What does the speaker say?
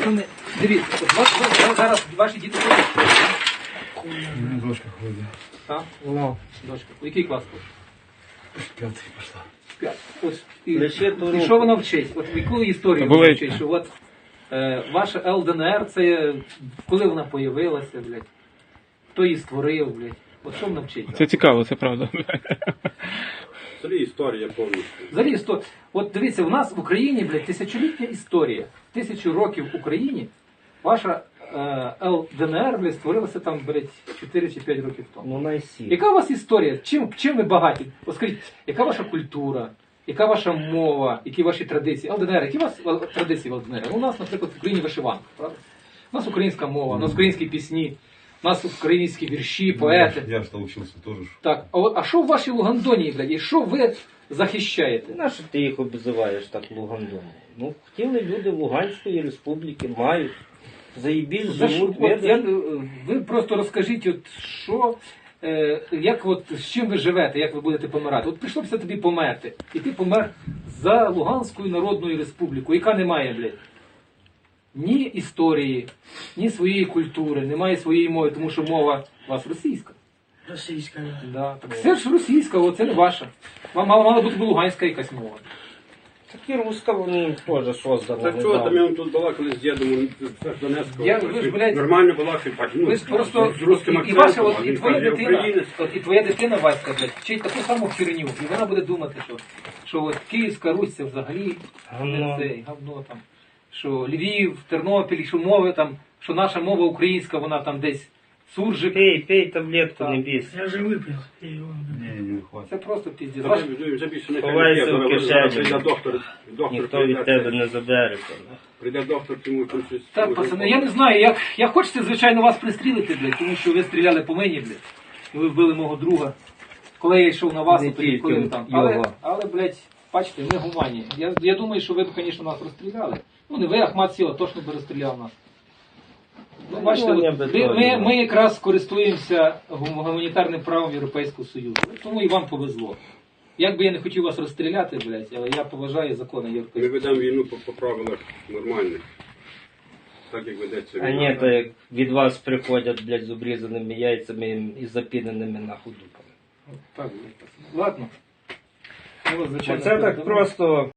Пацани, дивіться, от зараз ваші діти ходять. Дочка ходить. Так? Дочка. У який клас ходить? П'ятий пішла. П'ять. Ось, Лише ту і руку. що вона вчить? От яку історію Були- вона вчить? Що от ваша ЛДНР, це коли вона появилася, блядь? Хто її створив, блядь? От що вона вчить? Це цікаво, це правда. Взагалі історія повністю. Взагалі, от дивіться, у нас в Україні, блядь, тисячолітня історія. 1000 років в Україні ваша ЛДНР, блядь, створилася там, блядь, 4 чи 5 років тому. Ну, найсі. Яка у вас історія? Чим ви багаті? От скажіть, яка ваша культура? Яка ваша мова? Які ваші традиції? ЛДНР, які у вас традиції в ЛДНР? У нас, наприклад, в Україні вишиванка, правда? У нас українська мова, у нас українські пісні, у нас українські вірші, поети. Я ж навчився теж. Так, а що в вашій Лугандонії, блядь, і що ви захищаєте? Нащо ти їх обзиваєш так Лугандоном? Ну, хотіли люди Луганської республіки, мають. Заїбісь, За що? живуть, От, видиш? ви просто розкажіть, от що, як от, з чим ви живете, як ви будете помирати. От прийшло б це тобі померти. І ти помер за Луганською Народною Республікою, яка не має, блядь, ні історії, ні своєї культури, немає своєї мови, тому що мова у вас російська. Російська. Да. Так це ж російська, о, це не ваша. Вам мала бути луганська якась мова. Так і руска вони теж создана. Так чого там я вам тут балакали з дідом з Донецького? Ви ж, блядь, нормально балакали, ну, Ви ж просто з русским і ваша, акцентом, от, а і він твоя каже, дитина, українець. от, і твоя дитина Васька, блядь, вчить таку саму херню, і вона буде думати, що от Київська Русь це взагалі Говно. не це, говно там, що Львів, Тернопіль, що мови там, що наша мова українська, вона там десь суржик. Пей таблетку, Так. не бійся. Я вже випив. Я його Ні, не хватить. Це просто піздець. Ховайся в кишені. Прийде доктор, Ніхто від тебе не забере. Прийде доктор, йому там щось... Так, пацани, я не знаю, я хочеться, звичайно, вас пристрілити, блядь, тому що ви стріляли по мені, блядь, і ви вбили мого друга. Коли я йшов на вас, Не от тоді, коли ви тільки там. його. Але, блядь, бачите, ми гуманні. Я думаю, що ви б, звісно, нас розстріляли. Ну, не ви, Ахмат Сіла, точно би розстріляв нас. Ну, бачите, Ну, от, я би теж. ми якраз користуємося гуманітарним правом Європейського Союзу. Тому і вам повезло. Як би я не хотів вас розстріляти, блядь, але я поважаю закони Ми Європейського ведемо війну по правилах нормальних. Так, як ведеться А ні, то як від вас приходять, блядь, з обрізаними яйцями і запіненими нахуй дупами. Так, блядь, пацани. Ладно. Ну, звичайно, Оце так передамо. просто